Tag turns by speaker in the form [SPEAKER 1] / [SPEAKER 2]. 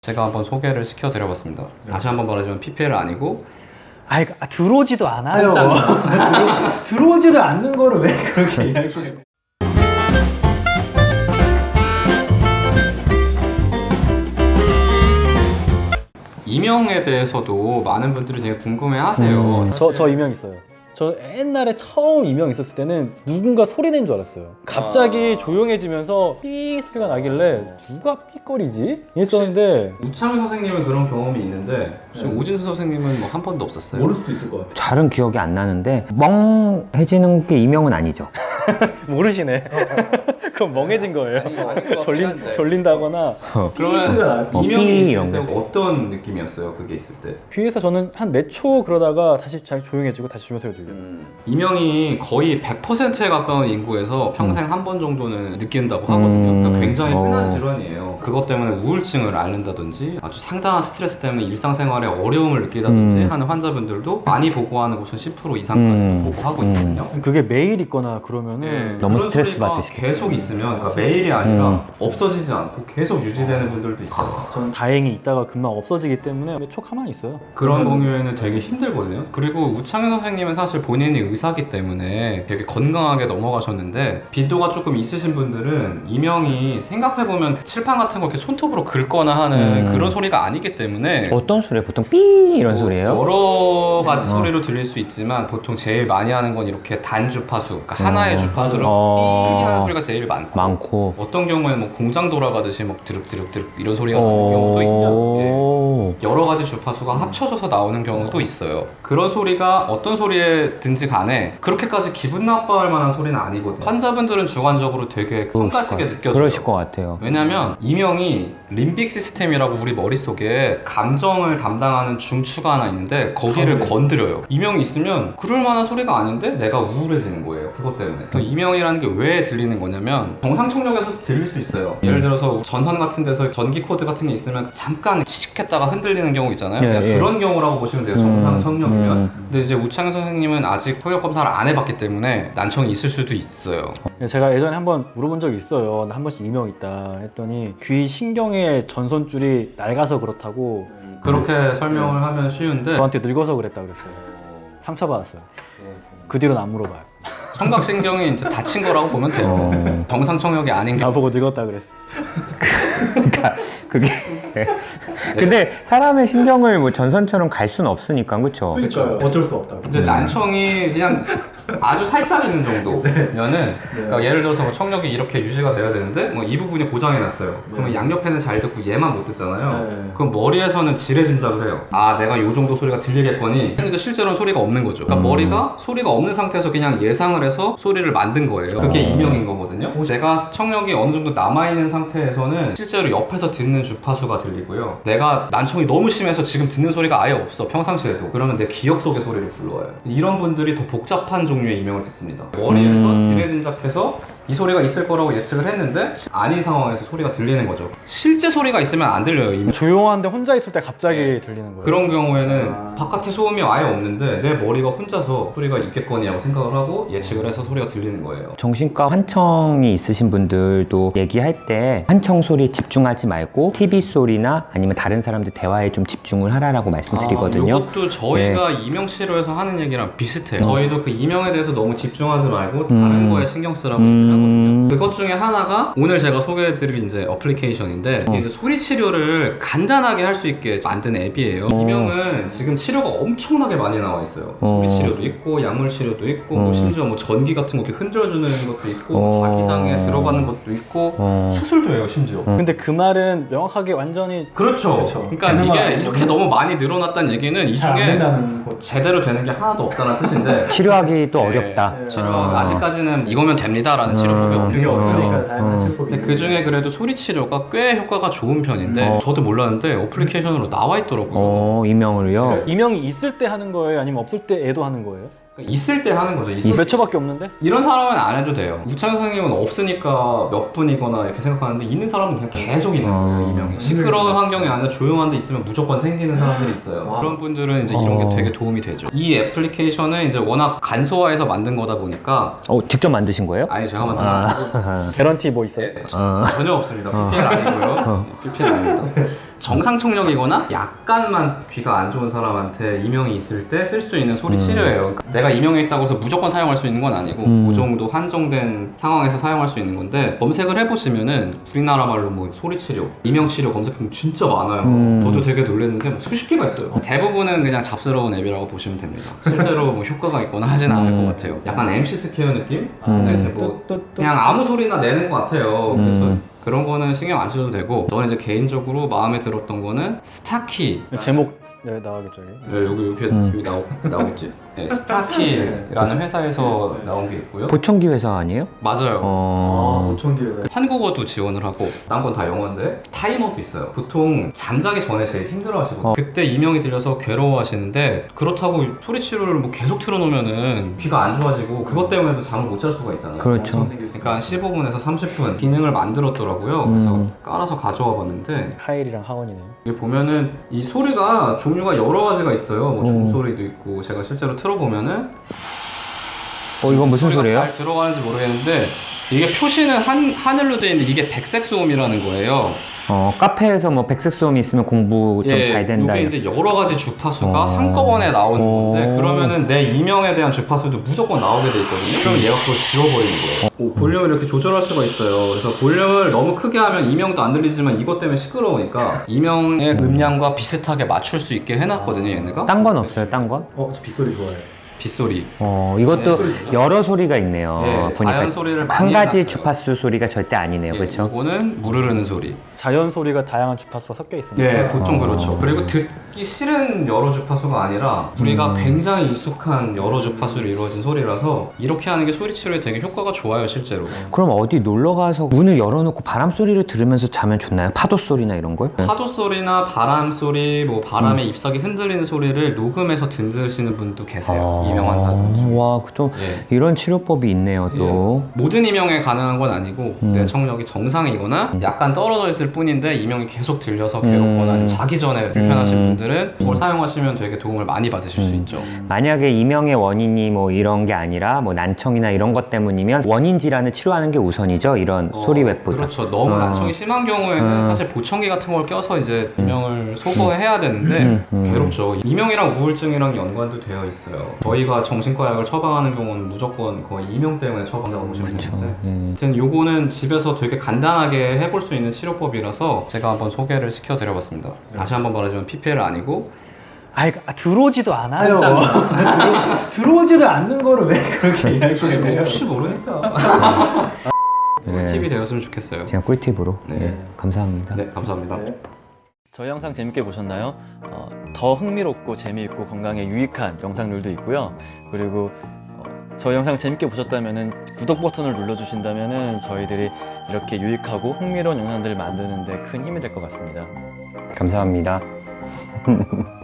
[SPEAKER 1] 제가 한번 소개를 시켜드려봤습니다. 다시 한번 말하자면 PPL 아니고
[SPEAKER 2] 들어오지도 않아요. 들어오지도 않는 거를 왜 그렇게 이야기해요?
[SPEAKER 1] 이명에 대해서도 많은 분들이 되게 궁금해하세요.
[SPEAKER 2] 저 이명 있어요. 저 옛날에 처음 이명 있었을 때는 누군가 소리 낸 줄 알았어요. 갑자기 조용해지면서 삐 소리가 나길래 누가 삐거리지? 이랬었는데
[SPEAKER 1] 우창 선생님은 그런 경험이 있는데 혹시 오진수 선생님은 뭐 한 번도 없었어요?
[SPEAKER 2] 모를 수도 있을 것 같아요.
[SPEAKER 3] 잘은 기억이 안 나는데 멍해지는 게 이명은 아니죠.
[SPEAKER 2] 모르시네. 그럼 멍해진 거예요.
[SPEAKER 1] 졸린
[SPEAKER 2] 졸린다거나
[SPEAKER 1] 그러면
[SPEAKER 3] 삐
[SPEAKER 1] 이명이 있을
[SPEAKER 3] 이런
[SPEAKER 1] 때
[SPEAKER 3] 거.
[SPEAKER 1] 어떤 느낌이었어요? 그게 있을 때?
[SPEAKER 2] 귀에서 저는 한 몇 초 그러다가 다시 잘 조용해지고 다시 주면 소리 들려요.
[SPEAKER 1] 이명이 거의 100%에 가까운 인구에서 평생 한 번 정도는 느낀다고 하거든요. 그러니까 굉장히 흔한 질환이에요. 그것 때문에 우울증을 앓는다든지 아주 상당한 스트레스 때문에 일상생활에 어려움을 느끼다든지 하는 환자분들도 많이 보고하는 곳은 10% 이상까지 보고하고 있거든요.
[SPEAKER 2] 그게 매일 있거나 그러면은
[SPEAKER 3] 너무
[SPEAKER 1] 그런
[SPEAKER 3] 스트레스
[SPEAKER 1] 소리가
[SPEAKER 3] 받으시겠다.
[SPEAKER 1] 계속 있으면 그러니까 매일이 아니라 없어지지 않고 계속 유지되는 분들도 있어요.
[SPEAKER 2] 저는 다행히 있다가 금방 없어지기 때문에 몇 초 가만히 있어요.
[SPEAKER 1] 그런 경우에는 되게 힘들거든요. 그리고 우창현 선생님은 사실 본인이 의사기 때문에 되게 건강하게 넘어가셨는데 빈도가 조금 있으신 분들은 이명이 생각해보면 칠판 같은 거 이렇게 손톱으로 긁거나 하는 그런 소리가 아니기 때문에
[SPEAKER 3] 어떤 소리예요? 보통 삐 이런 소리예요?
[SPEAKER 1] 여러 가지 소리로 들릴 수 있지만 보통 제일 많이 하는 건 이렇게 단주파수, 그러니까 하나의 주파수로 삐 하는 소리가 제일 많고 어떤 경우에는 뭐 공장 돌아가듯이 막 드륵드륵드륵 이런 소리가 나는 경우도 있고 여러 가지 주파수가 합쳐져서 나오는 경우도 있어요. 그런 소리가 어떤 소리에든지 간에 그렇게까지 기분 나빠할 만한 소리는 아니거든요. 환자분들은 주관적으로 되게 성가시게 느껴져요.
[SPEAKER 3] 그러실 것 같아요.
[SPEAKER 1] 왜냐면 이명이 림빅 시스템이라고 우리 머릿속에 감정을 담당하는 중추가 하나 있는데 거기를 건드려요. 이명이 있으면 그럴 만한 소리가 아닌데 내가 우울해지는 거예요. 그것 때문에. 그래서 이명이라는 게 왜 들리는 거냐면 정상청력에서 들릴 수 있어요. 예를 들어서 전선 같은 데서 전기 코드 같은 게 있으면 잠깐 치직했다가 흔들리는 경우 있잖아요. 그냥 그런 경우라고 보시면 돼요. 정상청력이면. 근데 이제 우창현 선생님은 아직 혈액 검사를 안 해봤기 때문에 난청이 있을 수도 있어요.
[SPEAKER 2] 제가 예전에 한번 물어본 적이 있어요. 나 한 번씩 이명 있다 했더니 귀 신경의 전선줄이 낡아서 그렇다고
[SPEAKER 1] 그렇게 설명을 하면 쉬운데
[SPEAKER 2] 저한테 늙어서 그랬다 그랬어요. 상처받았어요. 그 뒤로는 안 물어봐요.
[SPEAKER 1] 청각신경이 이제 다친 거라고 보면 돼요. 정상청력이 아닌 게.
[SPEAKER 2] 나보고 늙었다 그랬어.
[SPEAKER 3] 그러니까 그게 근데 사람의 신경을 뭐 전선처럼 갈 수는 없으니까 그렇죠.
[SPEAKER 2] 어쩔 수 없다.
[SPEAKER 1] 이제 난청이 그냥 아주 살짝 있는 정도면은 그러니까 예를 들어서 뭐 청력이 이렇게 유지가 돼야 되는데 뭐 이 부분이 고장이 났어요. 그러면 양옆에는 잘 듣고 얘만 못 듣잖아요. 그럼 머리에서는 지레짐작을 해요. 아 내가 요 정도 소리가 들리겠거니. 근데 실제로는 소리가 없는 거죠. 그러니까 머리가 소리가 없는 상태에서 그냥 예상을 해서 소리를 만든 거예요. 그게 이명인 거거든요. 내가 청력이 어느 정도 남아있는 상태에서는 실제로 옆에서 듣는 주파수가 들리고요. 내가 난청이 너무 심해서 지금 듣는 소리가 아예 없어 평상시에도. 그러면 내 기억 속의 소리를 불러와요. 이런 분들이 더 복잡한 종류의 이명을 듣습니다. 머리에서 지레짐작해서 이 소리가 있을 거라고 예측을 했는데 아닌 상황에서 소리가 들리는 거죠. 실제 소리가 있으면 안 들려요. 이명.
[SPEAKER 2] 조용한데 혼자 있을 때 갑자기 들리는 거예요.
[SPEAKER 1] 그런 경우에는 바깥에 소음이 아예 없는데 내 머리가 혼자서 소리가 있겠거니 하고 생각을 하고 예측을 해서 소리가 들리는 거예요.
[SPEAKER 3] 정신과 환청이 있으신 분들도 얘기할 때 환청 소리에 집중하지 말고 TV 소리나 아니면 다른 사람들 대화에 좀 집중을 하라라고 말씀드리거든요.
[SPEAKER 1] 이것도 저희가 이명 치료에서 하는 얘기랑 비슷해요. 저희도 그 이명에 대해서 너무 집중하지 말고 다른 거에 신경 쓰라고 얘기하거든요. 그것 중에 하나가 오늘 제가 소개해드릴 이제 어플리케이션인데 이제 소리 치료를 간단하게 할 수 있게 만든 앱이에요. 이명은 지금 치료가 엄청나게 많이 나와 있어요. 소리 치료도 있고 약물 치료도 있고 뭐 심지어 뭐 전기 같은 거 이렇게 흔들어주는 것도 있고 자기장에 들어가는 것도 있고 수술도 해요 심지어.
[SPEAKER 2] 근데 그 말은 명확하게 완전히
[SPEAKER 1] 그렇죠. 그러니까 이게 이렇게 너무 많이 늘어났다는 얘기는 이 중에 제대로 되는 게 하나도 없다는 뜻인데
[SPEAKER 3] 치료하기 또 어렵다.
[SPEAKER 1] 치료 아직까지는 이거면 됩니다라는 치료법이 없는 거죠. 근데 그 중에 그래도 소리 치료가 꽤 효과가 좋은 편인데 저도 몰랐는데 어플리케이션으로 나와 있더라고요.
[SPEAKER 3] 이명을요?
[SPEAKER 2] 이명이 있을 때 하는 거예요? 아니면 없을 때 애도 하는 거예요?
[SPEAKER 1] 있을 때 하는 거죠.
[SPEAKER 2] 몇 초밖에 없는데?
[SPEAKER 1] 이런 사람은 안 해도 돼요. 우창현 선생님은 없으니까 몇 분이거나 이렇게 생각하는데 있는 사람은 그냥 계속 있는 거예요. 이명이. 시끄러운 환경이 아니라 조용한 데 있으면 무조건 생기는 사람들이 있어요. 그런 분들은 이제 이런 게 되게 도움이 되죠. 이 애플리케이션은 이제 워낙 간소화해서 만든 거다 보니까
[SPEAKER 3] 직접 만드신 거예요?
[SPEAKER 1] 아니 제가 만든 거 아니고
[SPEAKER 2] 개런티 뭐 있어요?
[SPEAKER 1] 전혀 없습니다. PPL 아니고요. PPL 아닙니다. 정상 청력이거나 약간만 귀가 안 좋은 사람한테 이명이 있을 때 쓸 수 있는 소리 치료예요. 그러니까 내가 이명이 있다고 해서 무조건 사용할 수 있는 건 아니고 그 정도 한정된 상황에서 사용할 수 있는 건데, 검색을 해보시면은 우리나라 말로 뭐 소리 치료, 이명 치료 검색하면 진짜 많아요. 저도 되게 놀랐는데 뭐 수십 개가 있어요. 대부분은 그냥 잡스러운 앱이라고 보시면 됩니다. 실제로 뭐 효과가 있거나 하진 않을 것 같아요. 약간 MC 스퀘어 느낌? 네, 뭐 그냥 아무 소리나 내는 것 같아요. 그래서 그런 거는 신경 안 쓰셔도 되고, 저는 이제 개인적으로 마음에 들었던 거는 스타키.
[SPEAKER 2] 제목 나가겠죠 여기?
[SPEAKER 1] 네, 여기 나오겠지? 네, 스타키라는 회사에서 나온 게 있고요.
[SPEAKER 3] 보청기 회사 아니에요?
[SPEAKER 1] 맞아요.
[SPEAKER 2] 보청기회사.
[SPEAKER 1] 한국어도 지원을 하고, 딴 건 다 영어인데 타이머도 있어요. 보통 잠자기 전에 제일 힘들어 하시거든요. 그때 이명이 들려서 괴로워 하시는데, 그렇다고 소리 치료를 뭐 계속 틀어놓으면은 귀가 안 좋아지고 그것 때문에도 잠을 못 잘 수가 있잖아요.
[SPEAKER 3] 그렇죠.
[SPEAKER 1] 그러니까 한 15분에서 30분 기능을 만들었더라고요. 그래서 깔아서 가져와 봤는데,
[SPEAKER 2] 하일이랑 하원이네요.
[SPEAKER 1] 여기 보면은 이 소리가 종류가 여러 가지가 있어요. 뭐 종소리도 있고, 제가 실제로 틀어보면은
[SPEAKER 3] 이건 무슨
[SPEAKER 1] 소리가
[SPEAKER 3] 소리예요?
[SPEAKER 1] 잘 들어가는지 모르겠는데, 이게 표시는 하늘로 되어 있는데 이게 백색 소음이라는 거예요.
[SPEAKER 3] 카페에서 뭐 백색 소음이 있으면 공부 좀 잘 된다.
[SPEAKER 1] 이게 이제 여러 가지 주파수가 한꺼번에 나오는 건데, 그러면은 내 이명에 대한 주파수도 무조건 나오게 돼 있거든요. 그럼 얘가 그걸 지워버리는 거예요. 볼륨을 이렇게 조절할 수가 있어요. 그래서 볼륨을 너무 크게 하면 이명도 안 들리지만 이것 때문에 시끄러우니까 이명의 음량과 비슷하게 맞출 수 있게 해놨거든요, 얘네가.
[SPEAKER 3] 딴 건 없어요, 딴 건?
[SPEAKER 2] 저 빗소리 좋아해요.
[SPEAKER 1] 빗소리.
[SPEAKER 3] 이것도 여러 소리가 있네요.
[SPEAKER 1] 네,
[SPEAKER 3] 보니까
[SPEAKER 1] 자연 소리를 많이
[SPEAKER 3] 한 가지
[SPEAKER 1] 해놨어요.
[SPEAKER 3] 주파수 소리가 절대 아니네요, 그렇죠?
[SPEAKER 1] 이거는 물 흐르는 소리.
[SPEAKER 2] 자연 소리가 다양한 주파수가 섞여 있습니다.
[SPEAKER 1] 네, 보통 그렇죠. 그리고 듣기 싫은 여러 주파수가 아니라 우리가 굉장히 익숙한 여러 주파수로 이루어진 소리라서 이렇게 하는 게 소리 치료에 되게 효과가 좋아요, 실제로.
[SPEAKER 3] 그럼 어디 놀러 가서 문을 열어놓고 바람 소리를 들으면서 자면 좋나요? 파도 소리나 이런 걸?
[SPEAKER 1] 파도 소리나 바람 소리, 뭐 바람에 잎사귀 흔들리는 소리를 녹음해서 들으시는 분도 계세요. 이명한 사람 중.
[SPEAKER 3] 와, 또
[SPEAKER 1] 예.
[SPEAKER 3] 이런 치료법이 있네요, 또.
[SPEAKER 1] 모든 이명에 가능한 건 아니고 내 청력이 정상이거나 약간 떨어져 있을 뿐인데 이명이 계속 들려서 괴롭거나 아니면 자기 전에 불편하신 분들은 이걸 사용하시면 되게 도움을 많이 받으실 수 있죠.
[SPEAKER 3] 만약에 이명의 원인이 뭐 이런 게 아니라 뭐 난청이나 이런 것 때문이면 원인 질환을 치료하는 게 우선이죠, 이런 소리 웹보다.
[SPEAKER 1] 그렇죠. 너무 난청이 심한 경우에는 사실 보청기 같은 걸 껴서 이제 이명을 소거해야 되는데 괴롭죠. 이명이랑 우울증이랑 연관도 되어 있어요. 저희가 정신과 약을 처방하는 경우는 무조건 거의 이명 때문에 처방한다고 보시면 되는데, 아무튼 요거는 집에서 되게 간단하게 해볼 수 있는 치료법이라서 제가 한번 소개를 시켜드려봤습니다. 다시 한번 말하지만 PPL 아니고
[SPEAKER 2] 들어오지도 않아요. 들어오지도 않는 거를 왜 그렇게 이야기해요?
[SPEAKER 1] 혹시 모르니까
[SPEAKER 3] 네.
[SPEAKER 1] 팁이 되었으면 좋겠어요.
[SPEAKER 3] 제가 꿀팁으로.
[SPEAKER 1] 네.
[SPEAKER 3] 네, 감사합니다.
[SPEAKER 1] 네, 감사합니다.
[SPEAKER 2] 저희 영상 재밌게 보셨나요? 더 흥미롭고 재미있고 건강에 유익한 영상들도 있고요. 그리고 저희 영상 재밌게 보셨다면 구독 버튼을 눌러주신다면 저희들이 이렇게 유익하고 흥미로운 영상들을 만드는 데 큰 힘이 될 것 같습니다.
[SPEAKER 3] 감사합니다.